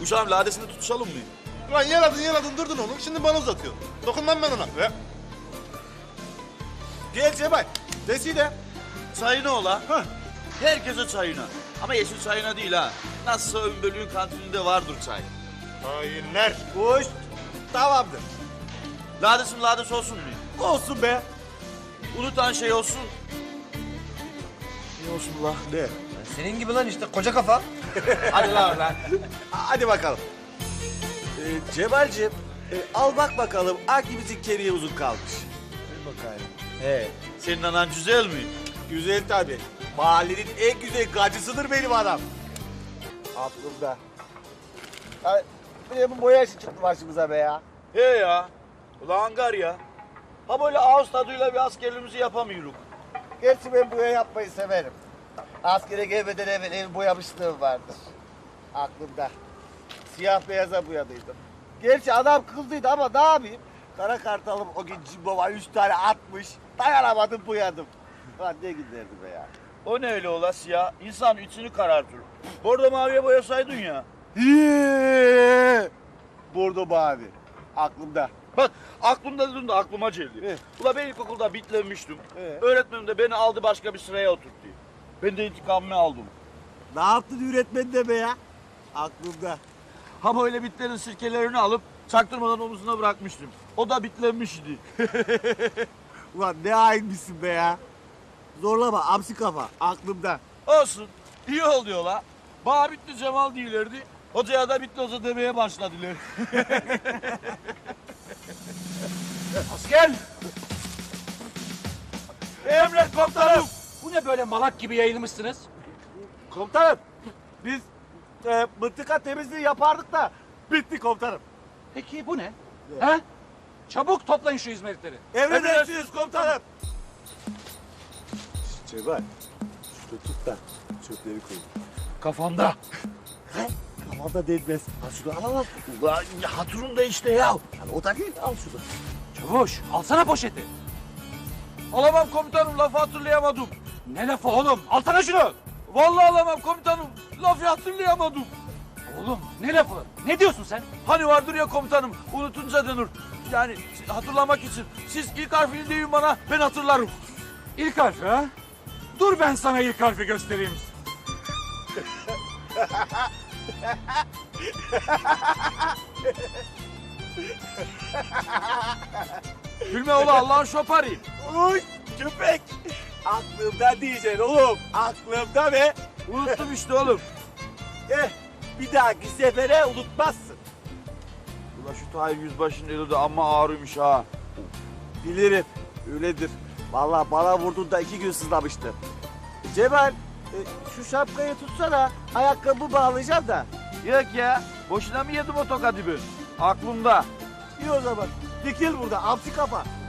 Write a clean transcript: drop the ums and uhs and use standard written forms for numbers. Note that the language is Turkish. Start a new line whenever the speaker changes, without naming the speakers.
Uşağım ladesini tutuşalım mı?
Ulan yaladın durdun oğlum. Şimdi bana uzatıyor. Dokunmam ben ona. Ve... Gel Cemal. Deside.
Çayına ola. Herkese çayına. Ama yeşil çayına değil ha. Nasılsa ön bölüğün kantininde vardır çay.
Hainler. Hoş. Tamamdır.
Ladesim lades olsun mu?
Olsun be.
Unutan şey olsun. Ne olsun la?
Ne?
Senin gibi lan işte koca kafa.
Hadi lan. Hadi bakalım. Cemal'cim al bak bakalım hangimizin kemiği uzun kalmış. Dur bakayım. He.
Senin anan güzel mi?
Güzel tabii. Mahallenin en güzel gacısıdır benim adam. Aklımda. Ay, bir bu boya işi çıktı başımıza be ya.
He ya. Ulan hangar ya. Ha böyle ağız tadıyla bir askerliğimizi yapamıyoruz.
Gerçi ben boya yapmayı severim. Askere gelmeden evvel ev boyamışlığım vardır. Aklımda. Siyah beyaza boyadıydım. Gerçi adam kızdıydı ama ne yapayım? Kara kartalım o gün cimboma 3 tane atmış. Dayanamadım boyadım. Lan ne giderdi be ya.
O ne öyle ola siyah? İnsan içini karartır. Bordo maviye boyasaydın ya.
Bordo mavi. Aklımda.
Bak aklımda dedin de aklıma geldi.
Evet.
Ula ben ilkokulda bitlenmiştim.
Evet.
Öğretmenim de beni aldı başka bir sıraya oturttu. Ben de intikamımı aldım.
Ne yaptın öğretmen de be ya? Aklımda.
Ha böyle bitlerin sirkelerini alıp çaktırmadan omuzuna bırakmıştım. O da bitlenmişti.
Ulan ne hainmişsin be ya. Zorlama amsi kafa. Aklımda.
Olsun. İyi oluyor la. Bana bitti Cemal değillerdi. Hocaya da bitti hoca demeye başladılar.
Asker!
Emret komutanım.
Bu ne böyle malak gibi yayılmışsınız?
Komutanım. Biz mıntıka temizliği yapardık da bitti komutanım.
Peki bu ne? He? Çabuk toplayın şu izmaritleri.
Emredersiniz komutanım. Cemal. Şunu tut da çöpleri koy.
Kafanda.
Kafamda değmez. Ha şunu al al.
Ulan hatırım da işte ya.
Yani o da değil al şunu.
Çavuş, alsana poşeti.
Alamam komutanım lafı hatırlayamadım.
Ne lafı oğlum? Alsana şunu.
Vallahi alamam komutanım. Lafı hatırlayamadım.
Oğlum ne lafı? Ne diyorsun sen?
Hani vardır ya komutanım unutunca denir. Yani hatırlamak için. Siz ilk harfini deyin bana ben hatırlarım.
İlk harfi ha? Dur ben sana ilk harfi göstereyim.
Gülme ola Allah'ın şoparı.
Uy köpek. Aklımda diyeceksin oğlum. Aklımda be.
Unuttum işte oğlum.
Bir dahaki sefere unutmazsın.
Ulan şu Tahir Yüzbaşı'nın eli de amma ağrıymış ha.
Bilirim. Öyledir. Vallahi bana vurduğunda 2 gün sızlamıştı. Cemal şu şapkayı tutsana. Ayakkabı bağlayacağım da.
Yok ya. Boşuna mı yedim o tokadı ben? Aklımda.
İyi o zaman. Dikil burada. Amsi kafa.